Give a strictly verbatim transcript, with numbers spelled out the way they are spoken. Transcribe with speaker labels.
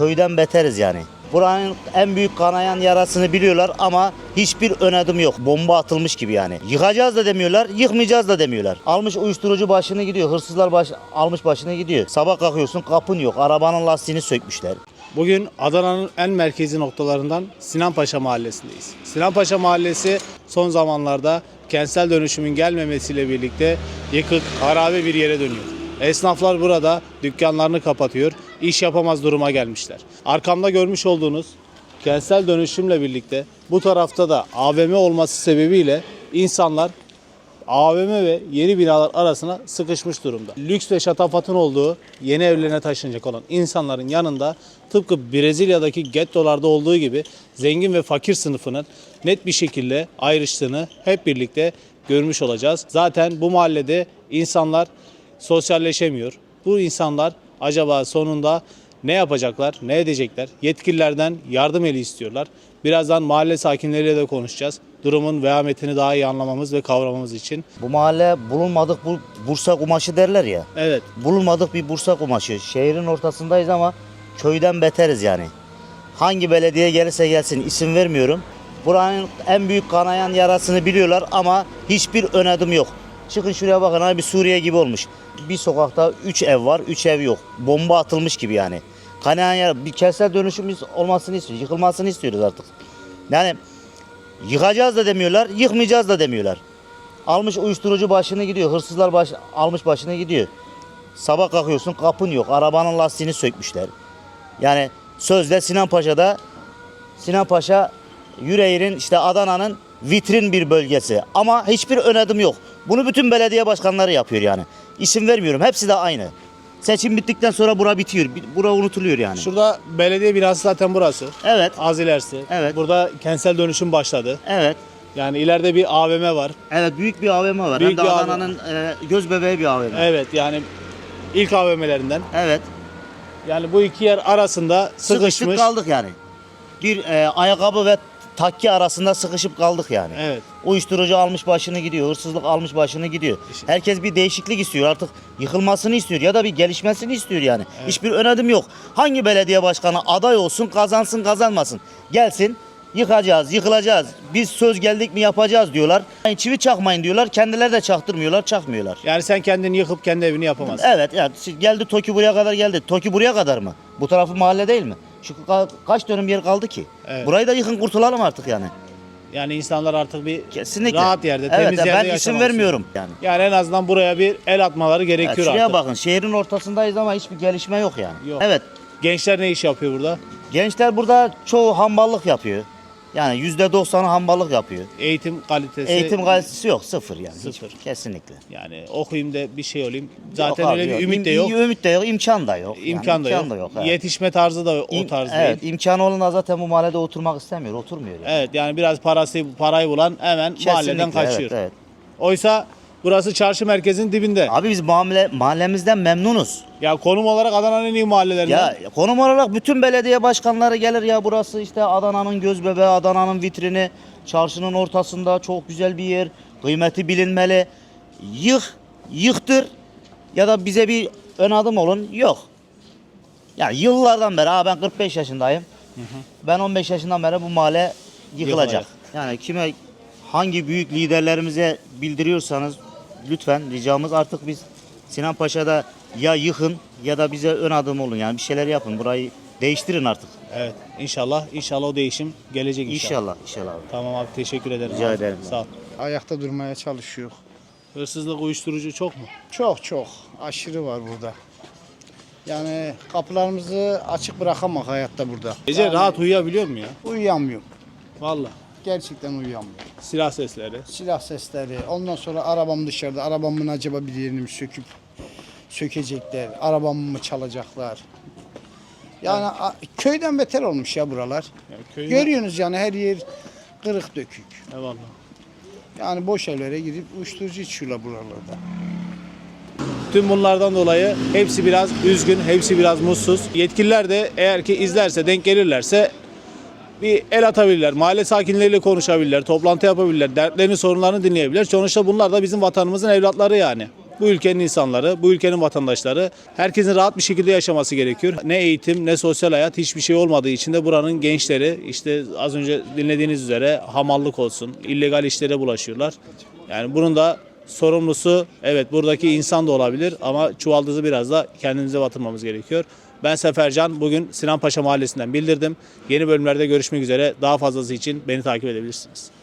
Speaker 1: köyden beteriz yani. Buranın en büyük kanayan yarasını biliyorlar ama hiçbir ön adım yok. Bomba atılmış gibi yani. Yıkacağız da demiyorlar, yıkmayacağız da demiyorlar. Almış uyuşturucu başını gidiyor, hırsızlar baş, almış başını gidiyor. Sabah kalkıyorsun kapın yok, arabanın lastiğini sökmüşler.
Speaker 2: Bugün Adana'nın en merkezi noktalarından Sinanpaşa Mahallesi'ndeyiz. Sinanpaşa Mahallesi son zamanlarda kentsel dönüşümün gelmemesiyle birlikte yıkık, harabe bir yere dönüyor. Esnaflar burada dükkanlarını kapatıyor, iş yapamaz duruma gelmişler. Arkamda görmüş olduğunuz kentsel dönüşümle birlikte bu tarafta da A V M olması sebebiyle insanlar A V M ve yeni binalar arasına sıkışmış durumda. Lüks ve şatafatın olduğu yeni evlerine taşınacak olan insanların yanında tıpkı Brezilya'daki gettolarda olduğu gibi zengin ve fakir sınıfının net bir şekilde ayrıştığını hep birlikte görmüş olacağız. Zaten bu mahallede insanlar sosyalleşemiyor. Bu insanlar acaba sonunda ne yapacaklar, ne edecekler? Yetkililerden yardım eli istiyorlar. Birazdan mahalle sakinleriyle de konuşacağız. Durumun vehametini daha iyi anlamamız ve kavramamız için.
Speaker 1: Bu mahalle bulunmadık bu Bursa kumaşı derler ya.
Speaker 2: Evet.
Speaker 1: Bulunmadık bir Bursa kumaşı. Şehrin ortasındayız ama köyden beteriz yani. Hangi belediye gelirse gelsin isim vermiyorum. Buranın en büyük kanayan yarasını biliyorlar ama hiçbir ön adım yok. Çıkın şuraya bakın abi, Suriye gibi olmuş. Bir sokakta üç ev var, üç ev yok. Bomba atılmış gibi yani. Kanayan yara, bir kentsel dönüşüm olmasını istiyoruz, yıkılmasını istiyoruz artık. Yani yıkacağız da demiyorlar, yıkmayacağız da demiyorlar. Almış uyuşturucu başını gidiyor, hırsızlar baş, almış başını gidiyor. Sabah kalkıyorsun kapın yok, arabanın lastiğini sökmüşler. Yani sözde Sinanpaşa'da, Sinanpaşa Yüreğir'in işte Adana'nın vitrin bir bölgesi ama hiçbir ön adım yok. Bunu bütün belediye başkanları yapıyor yani. İsim vermiyorum, hepsi de aynı. Seçim bittikten sonra bura bitiyor, bura unutuluyor yani.
Speaker 2: Şurada belediye binası zaten burası.
Speaker 1: Evet.
Speaker 2: Az ilerisi.
Speaker 1: Evet.
Speaker 2: Burada kentsel dönüşüm başladı.
Speaker 1: Evet.
Speaker 2: Yani ileride bir A V M var.
Speaker 1: Evet, büyük bir A V M var.
Speaker 2: Büyük
Speaker 1: Hem de
Speaker 2: bir
Speaker 1: Adana'nın e, göz bebeği bir A V M.
Speaker 2: Evet, yani ilk A V M'lerinden.
Speaker 1: Evet.
Speaker 2: Yani bu iki yer arasında sıkışmış.
Speaker 1: Sıkıştık kaldık yani. Bir e, ayakkabı ve takki arasında sıkışıp kaldık yani.
Speaker 2: Evet.
Speaker 1: Uyuşturucu almış başını gidiyor, hırsızlık almış başını gidiyor. Herkes bir değişiklik istiyor artık, yıkılmasını istiyor ya da bir gelişmesini istiyor yani.
Speaker 2: Evet.
Speaker 1: Hiçbir ön adım yok. Hangi belediye başkanı aday olsun, kazansın kazanmasın, gelsin yıkacağız, yıkılacağız, biz söz geldik mi yapacağız diyorlar. Yani çivi çakmayın diyorlar, kendileri de çaktırmıyorlar, çakmıyorlar.
Speaker 2: Yani sen kendini yıkıp kendi evini yapamazsın.
Speaker 1: Evet, yani geldi TOKİ buraya kadar geldi. TOKİ buraya kadar mı? Bu tarafı mahalle değil mi? Şu ka- kaç dönüm yer kaldı ki?
Speaker 2: Evet.
Speaker 1: Burayı da yıkın kurtulalım artık yani.
Speaker 2: Yani insanlar artık bir
Speaker 1: Kesinlikle.
Speaker 2: rahat yerde,
Speaker 1: evet,
Speaker 2: temiz yerde
Speaker 1: ben
Speaker 2: yaşamak
Speaker 1: isim
Speaker 2: istiyor.
Speaker 1: vermiyorum yani.
Speaker 2: Yani en azından buraya bir el atmaları
Speaker 1: Evet,
Speaker 2: gerekiyor
Speaker 1: şuraya
Speaker 2: artık.
Speaker 1: bakın, şehrin ortasındayız ama hiçbir gelişme yok yani.
Speaker 2: Yok.
Speaker 1: Evet,
Speaker 2: Gençler ne iş yapıyor burada?
Speaker 1: gençler burada çoğu hamballık yapıyor. Yani yüzde doksanı hamballık yapıyor.
Speaker 2: Eğitim kalitesi.
Speaker 1: Eğitim kalitesi yok, sıfır yani.
Speaker 2: Sıfır.
Speaker 1: Hiç, kesinlikle.
Speaker 2: Yani okuyayım da bir şey olayım. Zaten
Speaker 1: Yok
Speaker 2: öyle
Speaker 1: abi,
Speaker 2: bir
Speaker 1: yok.
Speaker 2: ümit
Speaker 1: İm-
Speaker 2: de yok.
Speaker 1: Ümit de yok, imkan da yok. Yani
Speaker 2: İmkan da
Speaker 1: imkan
Speaker 2: yok.
Speaker 1: da yok. Evet.
Speaker 2: Yetişme tarzı da o
Speaker 1: İm-
Speaker 2: tarz
Speaker 1: evet,
Speaker 2: değil.
Speaker 1: imkanı olan da zaten bu mahallede oturmak istemiyor, oturmuyor yani.
Speaker 2: Evet, yani biraz parası parayı bulan hemen mahalleden
Speaker 1: Kesinlikle,
Speaker 2: kaçıyor.
Speaker 1: Evet, evet.
Speaker 2: Oysa burası çarşı merkezinin dibinde.
Speaker 1: Abi biz mahalle, mahallemizden memnunuz.
Speaker 2: Ya konum olarak Adana'nın en iyi mahallelerinden.
Speaker 1: Ya konum olarak bütün belediye başkanları gelir ya, burası işte Adana'nın göz bebeği, Adana'nın vitrini, çarşının ortasında çok güzel bir yer, kıymeti bilinmeli. Yık, yıktır ya da bize bir ön adım olun, yok. Yani yıllardan beri, ha ben kırk beş yaşındayım. Ben on beş yaşından beri bu mahalle yıkılacak.
Speaker 2: Yıkılacak.
Speaker 1: Yani kime, hangi büyük liderlerimize bildiriyorsanız lütfen ricamız, artık biz Sinanpaşa'da ya yıkın ya da bize ön adım olun, yani bir şeyler yapın, burayı değiştirin artık.
Speaker 2: Evet, inşallah inşallah o değişim gelecek inşallah.
Speaker 1: İnşallah, inşallah abi.
Speaker 2: Tamam abi, teşekkür ederim.
Speaker 1: Rica
Speaker 2: abi.
Speaker 1: ederim.
Speaker 2: Sağ ol.
Speaker 3: Ayakta durmaya çalışıyor.
Speaker 2: Hırsızlık, uyuşturucu çok mu?
Speaker 3: Çok çok aşırı var burada. Yani kapılarımızı açık bırakamak hayatta burada.
Speaker 2: Gece
Speaker 3: Yani
Speaker 2: rahat uyuyabiliyor mu ya?
Speaker 3: uyuyamıyorum.
Speaker 2: Vallahi.
Speaker 3: Gerçekten uyuyamıyorum.
Speaker 2: Silah sesleri.
Speaker 3: Silah sesleri, ondan sonra arabam dışarıda. Arabamın acaba bir yerini mi söküp sökecekler, arabamı mı çalacaklar? Yani a- köyden beter olmuş ya buralar.
Speaker 2: Yani köyün...
Speaker 3: Görüyorsunuz yani her yer kırık dökük.
Speaker 2: Eyvallah.
Speaker 3: Yani boş evlere gidip uyuşturucu içiyorlar buralarda.
Speaker 2: Tüm bunlardan dolayı hepsi biraz üzgün, hepsi biraz mutsuz. Yetkililer de eğer ki izlerse, denk gelirlerse bir el atabilirler. Mahalle sakinleriyle konuşabilirler, toplantı yapabilirler, dertlerini, sorunlarını dinleyebilirler. Sonuçta bunlar da bizim vatanımızın evlatları yani. bu ülkenin insanları, bu ülkenin vatandaşları, herkesin rahat bir şekilde yaşaması gerekiyor. Ne eğitim ne sosyal hayat, hiçbir şey olmadığı için de buranın gençleri işte az önce dinlediğiniz üzere hamallık olsun, illegal işlere bulaşıyorlar. Yani bunun da sorumlusu evet buradaki insan da olabilir ama çuvaldızı biraz da kendimize batırmamız gerekiyor. Ben Sefercan, bugün Sinan Paşa Mahallesi'nden bildirdim. Yeni bölümlerde görüşmek üzere. Daha fazlası için beni takip edebilirsiniz.